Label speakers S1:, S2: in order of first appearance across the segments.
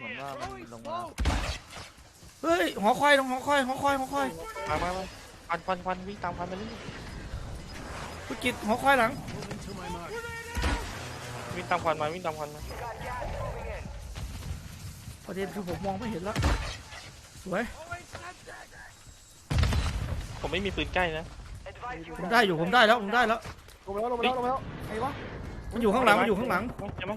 S1: เหมือนว่ามันลงมา
S2: เฮ้ยหอคอยหอคอย
S3: มาควันวิ่งตามควันไปเรื่อย
S2: คุณกิตหอคอยหลัง
S3: วิ่งตามควันมา
S2: ประเด็นคือผมมองไม่เห็นแล้วสวย
S3: ผมไม่มีปืนใกล้นะ
S2: ผมได้อยู่ผมได้แล้ว
S4: ลงไปแล้วไงวะ
S2: มันอยู่ข้างหลังมันอยู่ข้างหลัง
S3: ใช่ไหม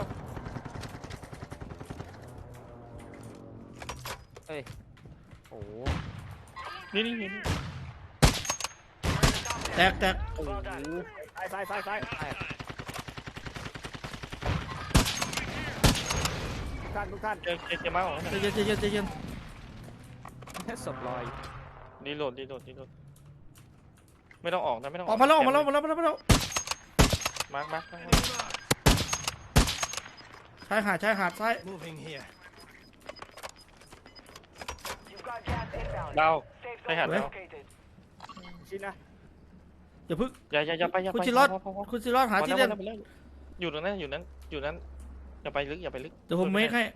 S1: โอ้โห
S3: นี่
S2: แตก
S4: โอ้โหซ้ายทุกท่าน
S3: เจอมาของ
S2: ใจเย็น
S1: แค่ศพลอย
S3: รีโหลดไม่ต้องออกนะไม่ต้อง
S2: ออกมาแล้วมาชายหาดซ้าย
S3: ดาวไปหาดาว
S4: ชินนะ
S2: อย่าพึ่ง
S3: อย่าไป
S2: คุณซิรอดหาที่เล่น
S3: อยู่ตรงนั้นอย่าไปลึก
S2: เดี๋ยวผมเมคให้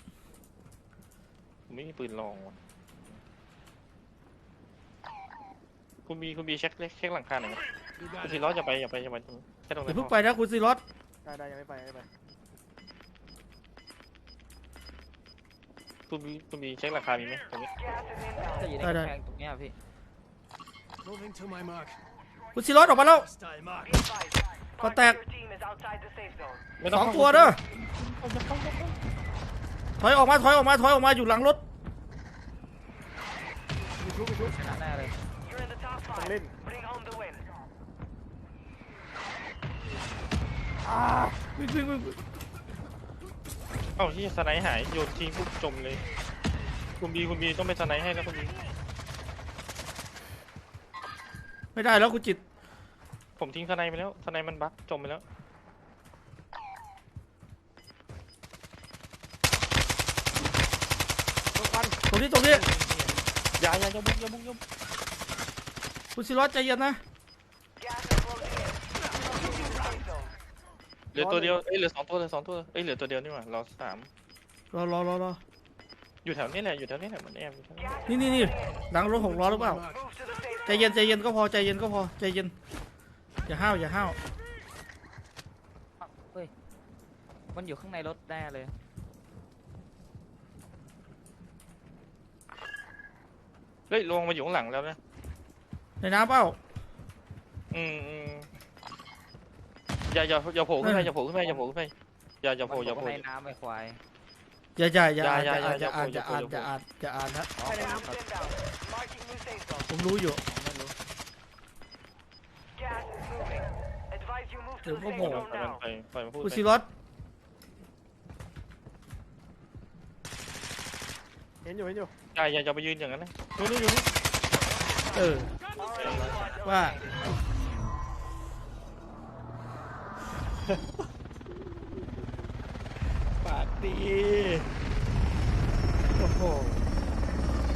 S3: ผมไม่มีปืนลองคุณบีเช็คหลังคาหน่อยคุณซิรอดอย่าไปตรงแค่ตรง
S2: อย่า
S3: นั้น
S2: พึ่งไปนะคุณซิรอด
S4: ได้ยังไม่ไป
S3: คุณบีเช็คหลังคามีไหมตรงนี้
S1: จะอยู่ในกำแพงตรงเนี้ยพี่
S2: คุณซิรอดออกมาแล้วก็แตกสองตัวเด้อถอยออกมาอยู่หลังรถ
S1: ชนะแน่เลย
S4: ต้องเล่น
S2: วิ่ง
S3: เอ้าที่สไนหายโยนทิ้งปุ๊บจมเลยคุณบีต้องไปสไนให้แล้วคุณบี
S2: ไม่ได้แล้วคุณจิต
S3: ผมทิ้งสไนไปแล้วสไนมันบั๊กจมไปแล้ว
S2: ตรงนี้
S3: อย่าบุก
S2: คุณซิรอดใจเย็นนะ
S3: เหลือตัวเดียวเหลือสองตัวเหลือตัวเดียวนี่หว่าเราสาม
S2: รอ
S3: อยู่แถวนี้แหละมันแอบอยู่แถวนี้
S2: นี่หลังรถ6 ล้อหรือเปล่าใจเย็นก็พอใจเย็นอย่าห้าว
S1: เฮ้ยมันอยู่ข้างในรถแน่เลย
S3: เฮ้ยลงมาอยู่ข้างหลังแล้วนะ
S2: ในน้ำเปล่า
S3: อย่าโผล่ขึ้นไปอย่าโผล่ขึ้นไปอย่าโผล่
S1: ในน้ำไอ้ควาย
S2: อย่าอ่านนะ
S4: ใช่ในน้ำ
S2: ผมรู้อยู่
S1: ไม่รู้
S2: เดี๋ยวก็โผล่
S3: ไปมาพูด
S2: คุณซิรอด
S4: เห็นอยู่
S3: อย่าไปยืนอย่างนั้นนะอยู่นี่
S2: ว่าปากดีโอ้โห